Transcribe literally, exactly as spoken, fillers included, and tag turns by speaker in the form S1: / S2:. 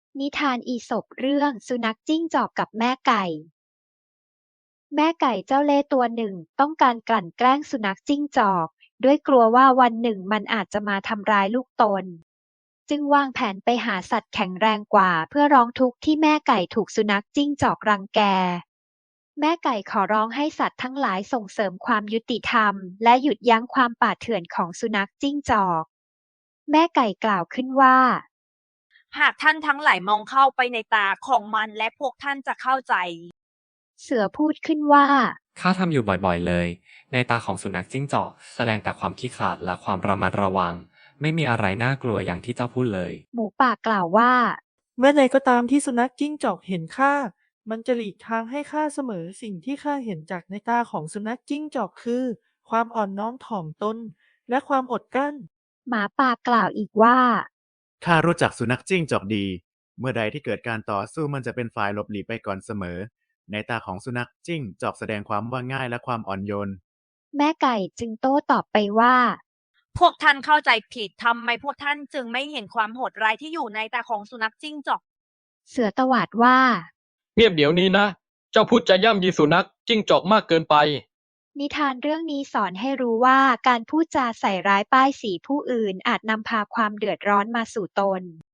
S1: นิทานอีสปเรื่องสุนัขจิ้งจอกกับแม่ไก่ แม่ไก่เจ้าเล่ห์ตัวหนึ่งต้องการกลั่นแกล้งสุนัขจิ้งจอกด้วยกลัวว่าวันหนึ่งมันอาจจะมาทำร้ายลูกตน จึงวางแผนไปหาสัตว์แข็งแรงกว่าเพื่อร้องทุกข์ที่แม่ไก่ถูกสุนัขจิ้งจอกรังแก แม่ไก่ขอร้องให้สัตว์ทั้งหลายส่งเสริมความยุติธรรมและหยุดยั้งความป่าเถื่อนของสุนัขจิ้งจอก แม่ไก่กล่าวขึ้นว่า
S2: หากท่านทั้งหลายมองเข้าไปในตาของมันและพวกท่านจะเข้าใจ
S1: เสือพูดขึ้นว่า
S3: ข้าทำอยู่บ่อยๆเลย ในตาของสุนัขจิ้งจอกแสดงแต่ความขี้ขลาดและความระมัดระวัง ไม่มีอะไรน่ากลัวอย่างที่เจ้าพูดเลย
S1: หมูป่ากล่าวว่า
S4: เมื่อใดก็ตามที่สุนัขจิ้งจอกเห็นข้า มันจะหลีกทางให้ข้าเสมอ สิ่งที่ข้าเห็นจากในตาของสุนัขจิ้งจอกคือ ความอ่อนน้อมถ่อมตน และความอดกลั้น
S1: หมาป่ากล่าวอีกว่า
S5: ข้ารู้จักสุนัขจิ้งจอกดี เมื่อใดที่เกิดการต่อสู้มันจะเป็นฝ่ายหลบหลีกไปก่อนเสมอ ในตาของสุนัขจิ้งจอกแสดงความว่าง่ายและความอ่อนโยน
S1: แม่ไก่จึงโต้ตอบไปว่า
S2: พวกท่านเข้าใจผิดทำไมพวกท่านจึงไม่เห็นความโหดร้ายที่อยู่ในตาของสุนัขจิ้งจอก
S1: เสือตวาดว่า
S6: เงียบเดี๋ยวนี้นะ เจ้าพูดจะย่ำยีสุนัขจิ้งจอกมากเกินไป
S1: นิทานเรื่องนี้สอนให้รู้ว่าการพูดจาใส่ร้ายป้ายสีผู้อื่นอาจนำพาความเดือดร้อนมาสู่ตน